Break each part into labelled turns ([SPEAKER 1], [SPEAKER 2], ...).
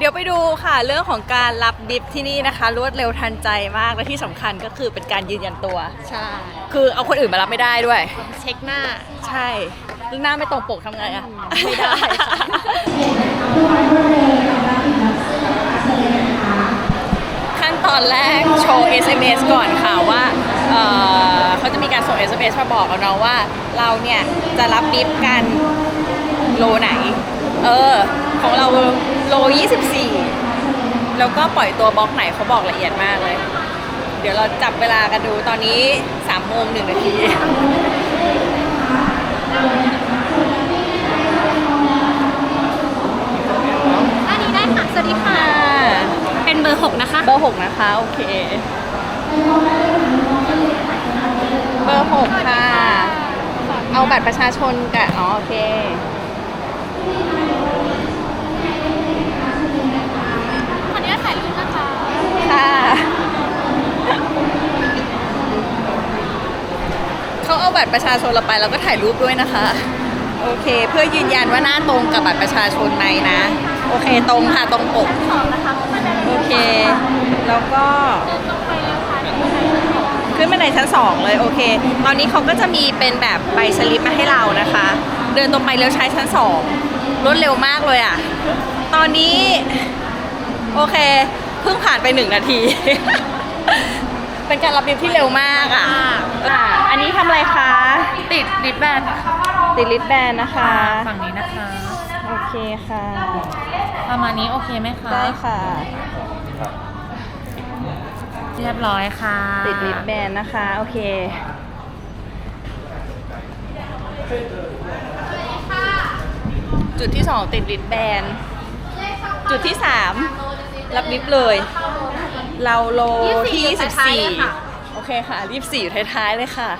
[SPEAKER 1] ดี๋ยวไปดูค่ะเรื่องของการรับดิฟที่นี่นะคะรวดเร็วทันใจมากและที่สำคัญก็คือเป็นการยืนยันตัว
[SPEAKER 2] ใช่
[SPEAKER 1] คือเอาคนอื่นมารับไม่ได้ด้วย
[SPEAKER 2] เช็คหน้า
[SPEAKER 1] ใช่หน้าไม่ตรงปกทำไงอะ
[SPEAKER 2] ไม่ได้
[SPEAKER 1] ขั้นตอนแรกโชว์ SMS ก่อนค่ะว่าเขาจะมีการส่ง SMS มาบอกเราเนาะว่าเราเนี่ยจะรับดิฟกันโลไหนของเราโล24แล้วก็ปล่อยตัวบล็อกไหนเขาบอกละเอียดมากเลยเดี๋ยวเราจับเวลากันดูตอนนี้3 โมง 1 นาที
[SPEAKER 2] อันนี้ได้ค่ะสวัสดีค่ะเป็นเบอร์6นะคะ
[SPEAKER 1] เบอร์6นะคะโอเคเบอร์6ค่ะเอาบัตรประชาชนกับโอเค
[SPEAKER 2] ขออนุญาตถ่ายรูปนะคะ
[SPEAKER 1] ค่ะเขาเอาบัตรประชาชนเราไปแล้วก็ถ่ายรูปด้วยนะคะโอเคเพื่อยืนยันว่าหน้าตรงกับบัตรประชาชนไหมนะโอเคตรงค่ะตรงปกโอเคแล้วก็ขึ้นบันไดชั้น2เลยโอเคตอนนี้เขาก็จะมีเป็นแบบใบสลิปมาให้เรานะคะเดินตรงไปแล้วใช้ชั้น2รวดเร็วมากเลยอ่ะตอนนี้โอเคเพิ่งผ่านไป1 นาที เป็นการรับดิฟที่เร็วมากอ่ะอันนี้ทำอะไรคะ
[SPEAKER 2] ติดลิปแบน
[SPEAKER 1] ติดลิปแบนนะคะ
[SPEAKER 2] ฝั่งนี้นะคะ
[SPEAKER 1] โอเคค่ะ
[SPEAKER 2] ประมาณนี้โอเคไหมคะ
[SPEAKER 1] ได้ค่ะ
[SPEAKER 2] เรียบร้อยค่ะ
[SPEAKER 1] ติดลิปแบนนะคะโอเคจุดที่2ติดลิปแบนจุดที่3รับลิฟเลยเราโลที่24โอเคค่ะ24อยู่ท้ายๆเลยค่ะ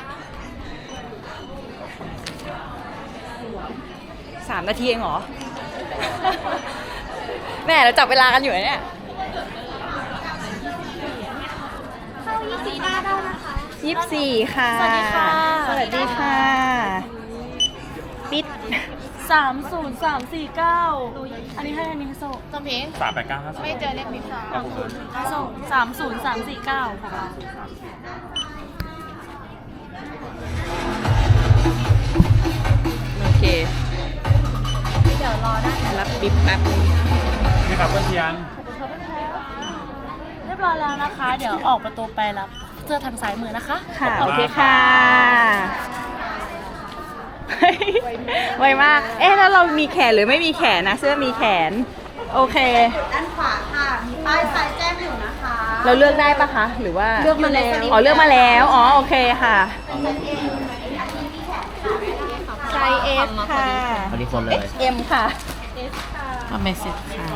[SPEAKER 1] 3 นาทีเองเหรอ แม่เราจับเวลากันอยู่เนี่ย
[SPEAKER 2] เข้า24ได้นะคะ
[SPEAKER 1] 24ค่ะ
[SPEAKER 2] สวัสดีค่ะ
[SPEAKER 1] สวัสดีค่ะปิด
[SPEAKER 2] 30349อันนี้ให้โซ่จำเพง
[SPEAKER 3] 389
[SPEAKER 2] ไม่เจอเลขนี้โซ่30349ของเรา
[SPEAKER 1] โอเค
[SPEAKER 2] เดี๋ยวรอได้
[SPEAKER 1] รับปิ๊บแป๊บนึง
[SPEAKER 3] นี่ครับเพื่อนเทียน
[SPEAKER 2] เรียบร้อยแล้วนะคะเดี๋ยวออกประตูไปรับเสื้อทางซ้ายมือนะคะ
[SPEAKER 1] ค่ะโอเคค่ะไวมากแล้วเรามีแขนหรือไม่มีแขนนะเสื้อมีแขนโอเค
[SPEAKER 4] ด้านขวาค่ะมีป้ายไฟแจ้งอยู่นะคะ
[SPEAKER 1] เราเลือกได้ปะคะหรือว่า
[SPEAKER 2] เลือกมาแล้ว
[SPEAKER 1] เลือกมาแล้วโอเคค่ะไซส์ S ค่ะ
[SPEAKER 3] พอดีคนเลย
[SPEAKER 1] M ค่ะ
[SPEAKER 2] ทำไม่เสร็จค่ะ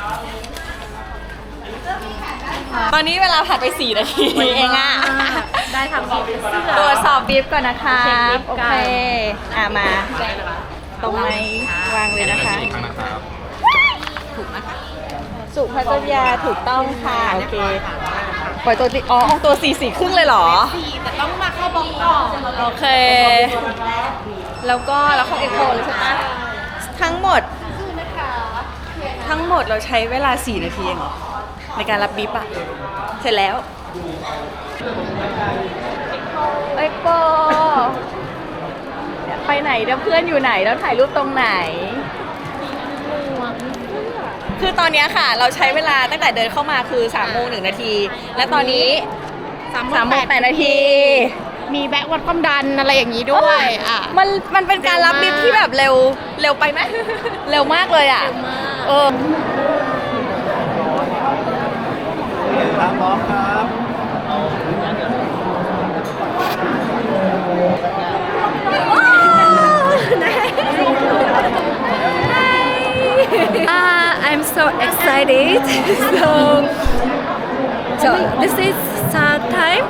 [SPEAKER 1] ตอนนี้เวลาผ่านไป4 นาทีเองอ่ะ
[SPEAKER 2] ได้ทำบีบเสื้อ
[SPEAKER 1] ตรวจสอบบีบก่อนนะคะโอเคมาตรงไหมวางเลยนะคะถูกนะคะสุภัตยาถูกต้องค่ะโอเคปล่อยตัวห้องตัว4 ครึ่งเลยเหรอ
[SPEAKER 2] แต่ต้องมาเข้าบล็อกก่อน
[SPEAKER 1] โอเคแล้วก็เราเข้าเอ็กโคเลยใช่ไหมทั้งหมดเราใช้เวลา4 นาทีเองในการรับบีบอะเสร็จแล้วเอ็กโคไปไหนแล้วเพื่อนอยู่ไหนแล้วถ่ายรูปตรงไหนคือตอนนี้ค่ะเราใช้เวลาตั้งแต่เดินเข้ามาคือ3 โมง 1 นาทีและตอนนี้3 โมง 8 นาที
[SPEAKER 2] มีแบกวัดความดันอะไรอย่างนี้ด้วย
[SPEAKER 1] มันเป็นการรับดิฟที่แบบเร็วไปไหม เร็วมากเลยอ่ะ
[SPEAKER 3] พร้อมครับ
[SPEAKER 5] I'm so excited. so this is third time.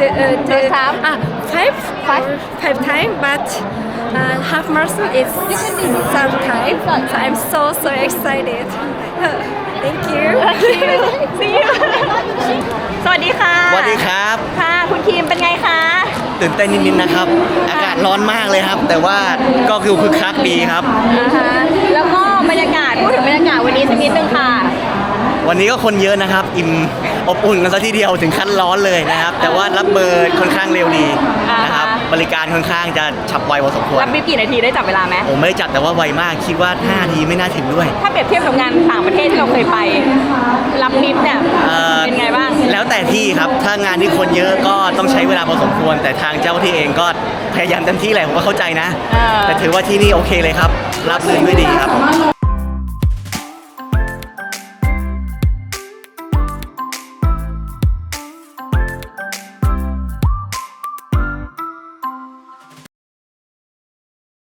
[SPEAKER 5] Five time, but half marathon is third time. So I'm so excited. Thank you.
[SPEAKER 1] See you. สวัสดีค่ะ
[SPEAKER 6] สวัสดีครับ
[SPEAKER 1] ค่ะคุณคิมเป็นไงคะ
[SPEAKER 6] ตื่นเต้นนิดๆนะครับอากาศร้อนมากเลยครับแต่ว่าก็คือคึกคักดีครับ
[SPEAKER 1] แล้วก็บรรยากาศพูดถึงบรรยากาศวันนี้สักนิดนึงค่ะ
[SPEAKER 6] วันนี้ก็คนเยอะนะครับ อิ่มอบอุ่นกันซะทีเดียวถึงขั้นร้อนเลยนะครับ แต่ว่ารับเบอร์ค่อนข้างเร็วดีนะครับ บริการค่อนข้างจะฉับไวพอสมควร
[SPEAKER 1] รับบิ๊บกี่นาทีได้จับเวลาไหม
[SPEAKER 6] ผมไม่ได้จับแต่ว่าไวมากคิดว่า5นาทีไม่น่าถึงด้วย
[SPEAKER 1] ถ้าเปรียบเทียบกับงานต่างประเทศที่เราเคยไป รับบิ๊บเนี่ย เป็นไงบ้าง
[SPEAKER 6] แล้วแต่ที่ครับถ้างานที่คนเยอะก็ต้องใช้เวลาพอสมควร แต่ทางเจ้าหน้าที่เองก็พยายามเต็มที่แหละผมก็เข้าใจนะ แต่ถือว่าที่นี่โอเคเลยครับ รับเรื่องด้วยดีครับ